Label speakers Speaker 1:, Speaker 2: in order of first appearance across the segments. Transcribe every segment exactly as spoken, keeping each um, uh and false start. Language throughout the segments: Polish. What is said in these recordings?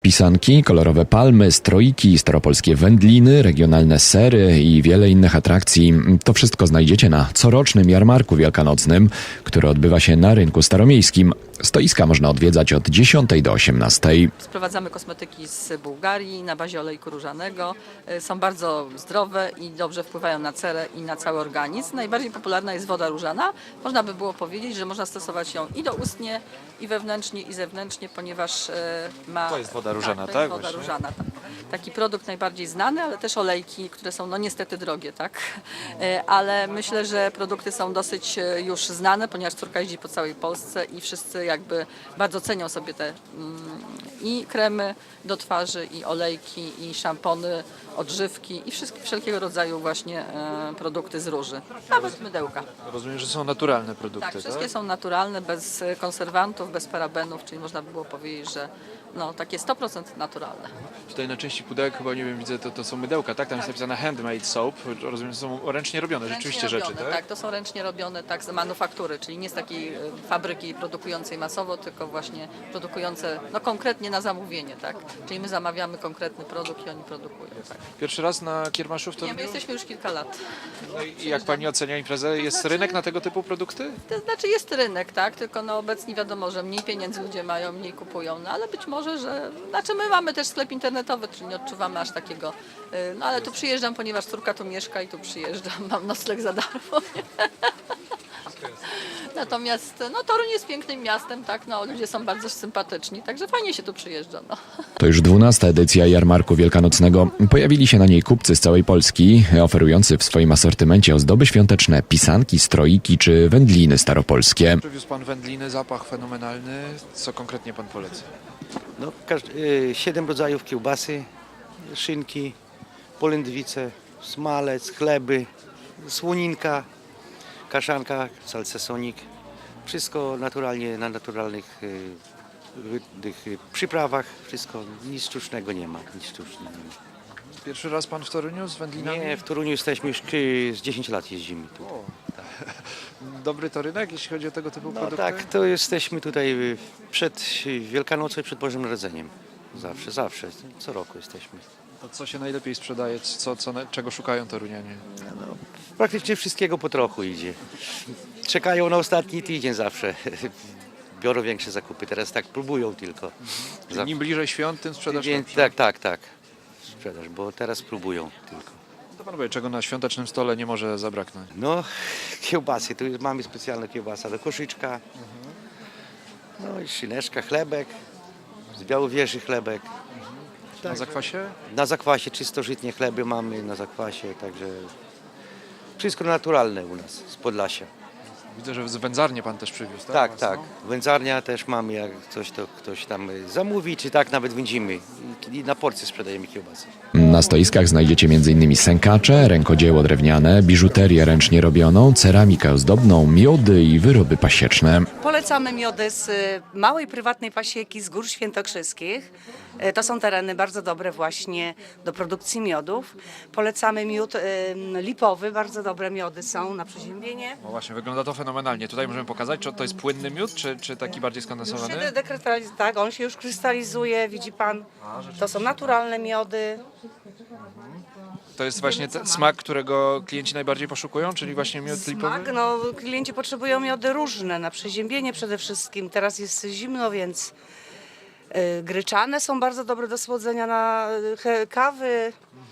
Speaker 1: Pisanki, kolorowe palmy, stroiki, staropolskie wędliny, regionalne sery i wiele innych atrakcji. To wszystko znajdziecie na corocznym jarmarku wielkanocnym, który odbywa się na rynku staromiejskim. Stoiska można odwiedzać od dziesiątej do osiemnastej.
Speaker 2: Sprowadzamy kosmetyki z Bułgarii na bazie olejku różanego. Są bardzo zdrowe i dobrze wpływają na cerę i na cały organizm. Najbardziej popularna jest woda różana. Można by było powiedzieć, że można stosować ją i doustnie, i wewnętrznie, i zewnętrznie, ponieważ ma...
Speaker 3: To jest woda różana,
Speaker 2: tak?
Speaker 3: tak?
Speaker 2: To jest woda
Speaker 3: Właśnie?
Speaker 2: różana, tak. Taki produkt najbardziej znany, ale też olejki, które są no niestety drogie, tak? Ale myślę, że produkty są dosyć już znane, ponieważ córka jeździ po całej Polsce i wszyscy jakby bardzo cenią sobie te mm, i kremy do twarzy, i olejki, i szampony, odżywki i wszystkie, wszelkiego rodzaju właśnie e, produkty z róży. Nawet mydełka.
Speaker 3: Rozumiem, że są naturalne produkty,
Speaker 2: Tak,
Speaker 3: tak?
Speaker 2: wszystkie są naturalne, bez konserwantów, bez parabenów, czyli można by było powiedzieć, że no, takie sto procent naturalne.
Speaker 3: Tutaj na części pudełek chyba, nie wiem, widzę, to, to są mydełka, tak? Tam jest napisane handmade soap. Rozumiem, że są ręcznie robione,
Speaker 2: Ręcznie
Speaker 3: rzeczywiście
Speaker 2: robione,
Speaker 3: rzeczy, tak?
Speaker 2: Tak, to są ręcznie robione tak z manufaktury, czyli nie z takiej e, fabryki produkującej masowo, tylko właśnie produkujące no, konkretnie na zamówienie, tak? Czyli my zamawiamy konkretny produkt i oni produkują, tak.
Speaker 3: Pierwszy raz na kiermaszu w
Speaker 2: Nie, my
Speaker 3: Toruniu?
Speaker 2: jesteśmy już kilka lat.
Speaker 3: No i jak pani ocenia imprezę? Jest
Speaker 2: znaczy-
Speaker 3: rynek na tego typu produkty?
Speaker 2: To znaczy jest rynek, tak, tylko no obecnie wiadomo, że mniej pieniędzy ludzie mają, mniej kupują, no ale być może, że... Znaczy my mamy też sklep internetowy, czyli nie odczuwamy aż takiego... y, No ale tu przyjeżdżam, ponieważ córka tu mieszka i tu przyjeżdżam, mam nocleg za darmo. Natomiast no, Toruń jest pięknym miastem, tak, no ludzie są bardzo sympatyczni, także fajnie się tu przyjeżdża, no.
Speaker 1: To już dwunasta edycja jarmarku wielkanocnego. Pojawili się na niej kupcy z całej Polski, oferujący w swoim asortymencie ozdoby świąteczne, pisanki, stroiki czy wędliny staropolskie.
Speaker 3: Przywiózł pan wędliny, zapach fenomenalny. Co konkretnie pan poleca?
Speaker 4: No, każdy, y, siedem rodzajów kiełbasy, szynki, polędwice, smalec, chleby, słoninka, kaszanka, salcesonik. Wszystko naturalnie, na naturalnych y, wy- tych, y, przyprawach. Wszystko, nic sztucznego nie ma. Nic sztucznego nie ma.
Speaker 3: Pierwszy raz pan w Toruniu z wędlinami?
Speaker 4: Nie, w Toruniu jesteśmy już y, z dziesięć lat jeździmy tu.
Speaker 3: O, dobry to rynek, jeśli chodzi o tego typu
Speaker 4: No
Speaker 3: produkty?
Speaker 4: tak, to jesteśmy tutaj y, przed y, Wielkanocą i przed Bożym Narodzeniem. Zawsze, zawsze, co roku jesteśmy.
Speaker 3: To co się najlepiej sprzedaje? Co, co, czego szukają Torunianie?
Speaker 4: Praktycznie wszystkiego po trochu idzie. Czekają na ostatni tydzień zawsze. Biorą większe zakupy, teraz tak próbują tylko. Za-
Speaker 3: Im bliżej świąt, tym sprzedaż
Speaker 4: Więc,
Speaker 3: lepsza.
Speaker 4: tak, tak, tak. Sprzedaż, bo teraz próbują tylko.
Speaker 3: To pan powie, czego na świątecznym stole nie może zabraknąć?
Speaker 4: No, kiełbasy, tu jest, mamy specjalna kiełbasa do koszyczka. No i szyneczka, chlebek, z Białowieży chlebek.
Speaker 3: Na zakwasie?
Speaker 4: Na zakwasie czystożytnie chleby mamy, na zakwasie, także wszystko naturalne u nas, z Podlasia.
Speaker 3: Widzę, że z wędzarnię pan też przywiózł, tak?
Speaker 4: Tak,
Speaker 3: Własną?
Speaker 4: tak. Wędzarnia też mamy, jak coś to ktoś tam zamówi, czy tak nawet wędzimy. I na porcję sprzedajemy kiełbasy.
Speaker 1: Na stoiskach znajdziecie m.in. sękacze, rękodzieło drewniane, biżuterię ręcznie robioną, ceramikę ozdobną, miody i wyroby pasieczne.
Speaker 5: Polecamy miody z y, małej prywatnej pasieki z Gór Świętokrzyskich. Y, To są tereny bardzo dobre właśnie do produkcji miodów. Polecamy miód y, lipowy, bardzo dobre miody są na przeziębienie.
Speaker 3: No właśnie, wygląda to fenomenalnie. Tutaj możemy pokazać, czy to jest płynny miód, czy, czy taki bardziej
Speaker 5: Już
Speaker 3: skondensowany?
Speaker 5: się dekrystalizuje, tak, on się już krystalizuje, widzi pan. To są naturalne miody.
Speaker 3: To jest właśnie ten smak, którego klienci najbardziej poszukują, czyli właśnie miód lipowy?
Speaker 5: Smak, no klienci potrzebują miody różne, na przeziębienie przede wszystkim. Teraz jest zimno, więc y, gryczane są bardzo dobre do słodzenia na y, he- kawy, y,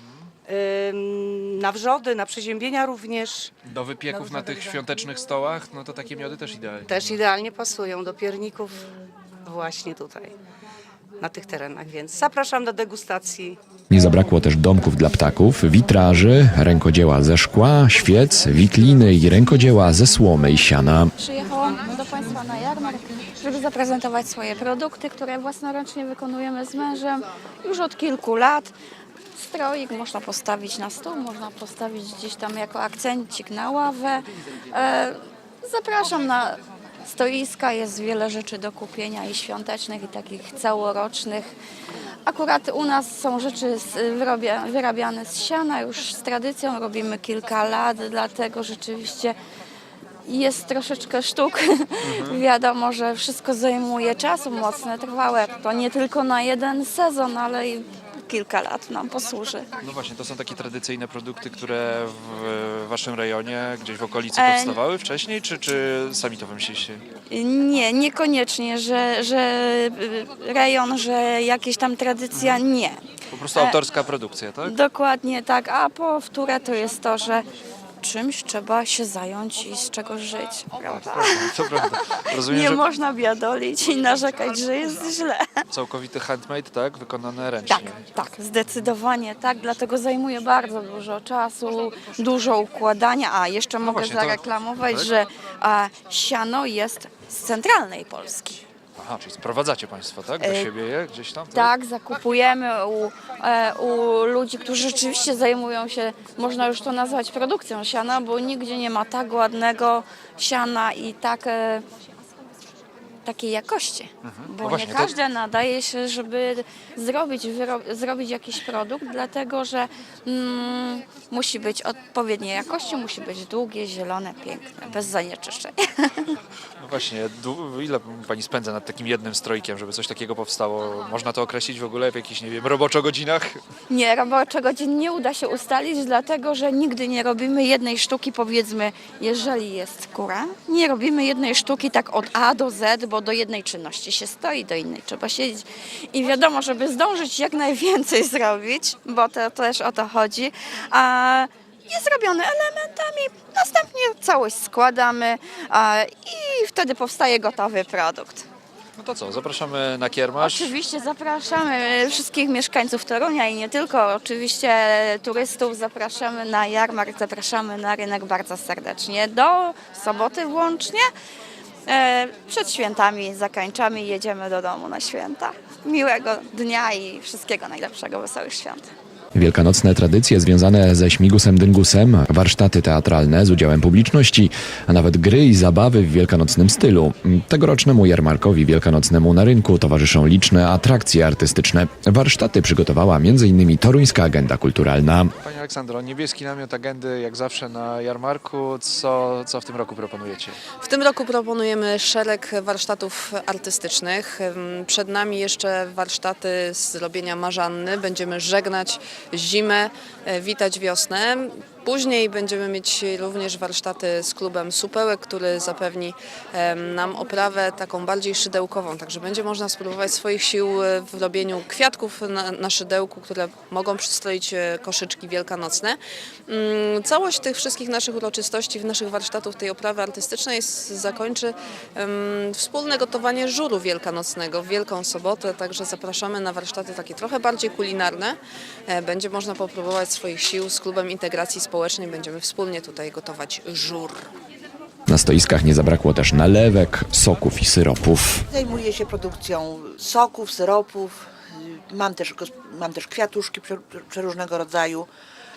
Speaker 5: na wrzody, na przeziębienia również.
Speaker 3: Do wypieków
Speaker 5: Dobrze,
Speaker 3: na tych
Speaker 5: dobrze.
Speaker 3: świątecznych stołach, no to takie miody też idealnie.
Speaker 5: Też idealnie pasują do pierników właśnie tutaj, na tych terenach, więc zapraszam do degustacji.
Speaker 1: Nie zabrakło też domków dla ptaków, witraży, rękodzieła ze szkła, świec, wikliny i rękodzieła ze słomy i siana.
Speaker 6: Przyjechałam do Państwa na jarmark, żeby zaprezentować swoje produkty, które własnoręcznie wykonujemy z mężem już od kilku lat. Stroik można postawić na stół, można postawić gdzieś tam jako akcencik na ławę. E, Zapraszam na stoiska, jest wiele rzeczy do kupienia i świątecznych, i takich całorocznych. Akurat u nas są rzeczy z, wyrobia, wyrabiane z siana, już z tradycją robimy kilka lat, dlatego rzeczywiście jest troszeczkę sztuk. Wiadomo, że wszystko zajmuje czasu, mocne, trwałe. To nie tylko na jeden sezon, ale i kilka lat nam posłuży.
Speaker 3: No właśnie, to są takie tradycyjne produkty, które w waszym rejonie, gdzieś w okolicy
Speaker 6: E,
Speaker 3: powstawały wcześniej, czy, czy sami to wymyśliliście?
Speaker 6: Nie, niekoniecznie, że, że y, rejon, że jakieś tam tradycja, nie.
Speaker 3: Po prostu autorska produkcja, tak?
Speaker 6: Dokładnie tak, a po wtóre to jest to, że czymś trzeba się zająć i z czego żyć, prawda?
Speaker 3: To prawda. Rozumiem,
Speaker 6: Nie
Speaker 3: że
Speaker 6: można biadolić i narzekać, że jest źle.
Speaker 3: całkowity handmade, tak? Wykonane ręcznie.
Speaker 6: Tak, tak, zdecydowanie tak, dlatego zajmuje bardzo dużo czasu, dużo układania, a jeszcze mogę
Speaker 3: właśnie, to-
Speaker 6: zareklamować,
Speaker 3: tak?
Speaker 6: że a, siano jest z centralnej Polski.
Speaker 3: Aha, czyli sprowadzacie państwo, tak? Do
Speaker 6: E,
Speaker 3: siebie je gdzieś tam?
Speaker 6: Tak, zakupujemy u, e, u ludzi, którzy rzeczywiście zajmują się, można już to nazwać produkcją siana, bo nigdzie nie ma tak ładnego siana i tak, e, takiej jakości. Bo
Speaker 3: No właśnie,
Speaker 6: nie
Speaker 3: to-
Speaker 6: każde nadaje się, żeby zrobić, wyro- zrobić jakiś produkt, dlatego że mm, musi być odpowiedniej jakości, musi być długie, zielone, piękne, bez zanieczyszczeń.
Speaker 3: No właśnie, dłu- ile pani spędza nad takim jednym strojkiem, żeby coś takiego powstało? Można to określić w ogóle w jakichś, nie wiem, roboczo godzinach?
Speaker 6: Nie, roboczego godzin nie uda się ustalić, dlatego że nigdy nie robimy jednej sztuki, powiedzmy, jeżeli jest kura, nie robimy jednej sztuki tak od A do Z, bo do jednej czynności się stoi, do innej trzeba siedzieć. I wiadomo, żeby zdążyć jak najwięcej zrobić, bo to też o to chodzi, a jest robione elementami, następnie całość składamy a, i wtedy powstaje gotowy produkt.
Speaker 3: No to co, zapraszamy na kiermasz.
Speaker 6: Oczywiście zapraszamy wszystkich mieszkańców Torunia i nie tylko, oczywiście turystów zapraszamy na jarmark, zapraszamy na rynek bardzo serdecznie. Do soboty włącznie. E, Przed świętami zakończamy i jedziemy do domu na święta. Miłego dnia i wszystkiego najlepszego, wesołych świąt.
Speaker 1: Wielkanocne tradycje związane ze śmigusem dyngusem, warsztaty teatralne z udziałem publiczności, a nawet gry i zabawy w wielkanocnym stylu. Tegorocznemu jarmarkowi wielkanocnemu na rynku towarzyszą liczne atrakcje artystyczne. Warsztaty przygotowała między innymi Toruńska Agenda Kulturalna.
Speaker 3: Pani Aleksandro, niebieski namiot agendy jak zawsze na jarmarku. Co, co w tym roku proponujecie?
Speaker 7: W tym roku proponujemy szereg warsztatów artystycznych. Przed nami jeszcze warsztaty z robienia marzanny. Będziemy żegnać zimę, e, witać wiosnę. Później będziemy mieć również warsztaty z klubem Supełek, który zapewni em, nam oprawę taką bardziej szydełkową. Także będzie można spróbować swoich sił w robieniu kwiatków na, na szydełku, które mogą przystroić e, koszyczki wielkanocne. Mm, Całość tych wszystkich naszych uroczystości, naszych warsztatów, tej oprawy artystycznej s- zakończy em, wspólne gotowanie żuru wielkanocnego w Wielką Sobotę. Także zapraszamy na warsztaty takie trochę bardziej kulinarne. E, Będzie można popróbować swoich sił z klubem integracji społecznej. Będziemy wspólnie tutaj gotować żur.
Speaker 1: Na stoiskach nie zabrakło też nalewek, soków i syropów.
Speaker 8: Zajmuję się produkcją soków, syropów, mam też, gos- mam też kwiatuszki prze- przeróżnego rodzaju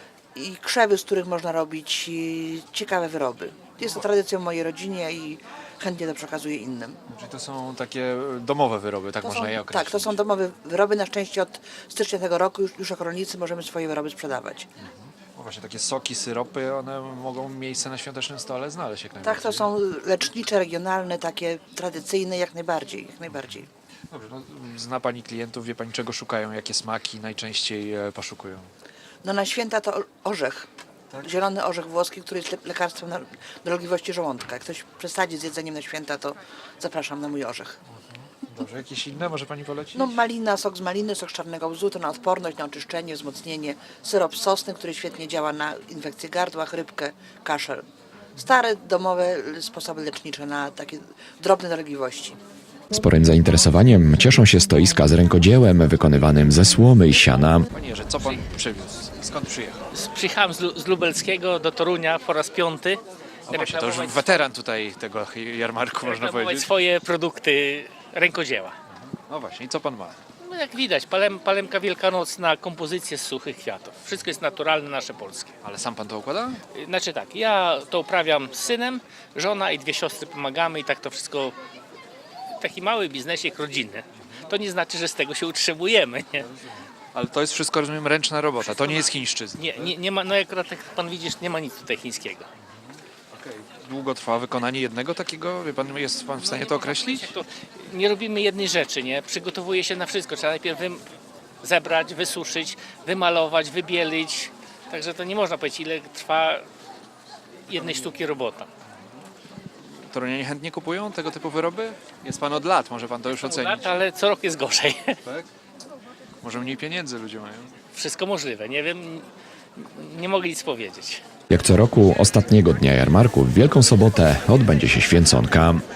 Speaker 8: i krzewy, z których można robić i ciekawe wyroby. Jest to tradycją w mojej rodzinie i chętnie to przekazuję innym.
Speaker 3: Czyli to są takie domowe wyroby, tak
Speaker 8: To
Speaker 3: można
Speaker 8: są,
Speaker 3: je określić?
Speaker 8: tak, to są domowe wyroby. Na szczęście od stycznia tego roku już, już jako rolnicy możemy swoje wyroby sprzedawać.
Speaker 3: No właśnie, takie soki, syropy, one mogą miejsce na świątecznym stole znaleźć jak najbardziej.
Speaker 8: Tak, to są lecznicze, regionalne, takie tradycyjne jak najbardziej, jak najbardziej.
Speaker 3: Dobrze, no, zna Pani klientów, wie Pani czego szukają, jakie smaki najczęściej e, poszukują?
Speaker 8: No na święta to orzech. Zielony orzech włoski, który jest le- lekarstwem na dolegliwości żołądka. Jak ktoś przesadzi z jedzeniem na święta, to zapraszam na mój orzech.
Speaker 3: Dobrze, jakieś inne może Pani polecić?
Speaker 8: No malina, sok z maliny, sok z czarnego łzu, to na odporność, na oczyszczenie, wzmocnienie. Syrop sosny, który świetnie działa na infekcję gardła, chrypkę, kaszel. Stare, domowe sposoby lecznicze na takie drobne dolegliwości.
Speaker 1: Sporym zainteresowaniem cieszą się stoiska z rękodziełem wykonywanym ze słomy i siana.
Speaker 3: Panie Jerzy, co Pan przywiózł? Skąd przyjechał?
Speaker 9: Przyjechałem z, Lu- z Lubelskiego do Torunia po raz piąty.
Speaker 3: No właśnie, to już
Speaker 9: reklamować-
Speaker 3: weteran tutaj tego jarmarku, można
Speaker 9: reklamować
Speaker 3: powiedzieć.
Speaker 9: swoje produkty rękodzieła.
Speaker 3: No właśnie, i co Pan ma?
Speaker 9: No jak widać, palem, palemka wielkanocna, kompozycje z suchych kwiatów. Wszystko jest naturalne, nasze polskie.
Speaker 3: Ale sam Pan to układa?
Speaker 9: Y, Znaczy tak, ja to uprawiam z synem, żona i dwie siostry pomagamy i tak to wszystko, taki mały biznesik rodzinny. To nie znaczy, że z tego się utrzymujemy, nie?
Speaker 3: Ale to jest wszystko, rozumiem, ręczna robota, to nie jest chińszczyzna.
Speaker 9: Nie, nie, nie ma, no akurat jak pan widzisz, nie ma nic tutaj chińskiego.
Speaker 3: Okej. długo trwa wykonanie jednego takiego? Wie pan, jest pan w stanie to określić?
Speaker 9: To nie robimy jednej rzeczy, nie? Przygotowuje się na wszystko. Trzeba najpierw wy... zebrać, wysuszyć, wymalować, wybielić. Także to nie można powiedzieć, ile trwa jednej sztuki robota.
Speaker 3: Torunianie chętnie kupują tego typu wyroby? Jest pan od lat, może pan to już ocenić.
Speaker 9: Lat, ale co rok jest gorzej.
Speaker 3: Tak? Może mniej pieniędzy ludzie mają.
Speaker 9: Wszystko możliwe. Nie wiem, nie mogę nic powiedzieć.
Speaker 1: Jak co roku ostatniego dnia jarmarku w Wielką Sobotę odbędzie się święconka.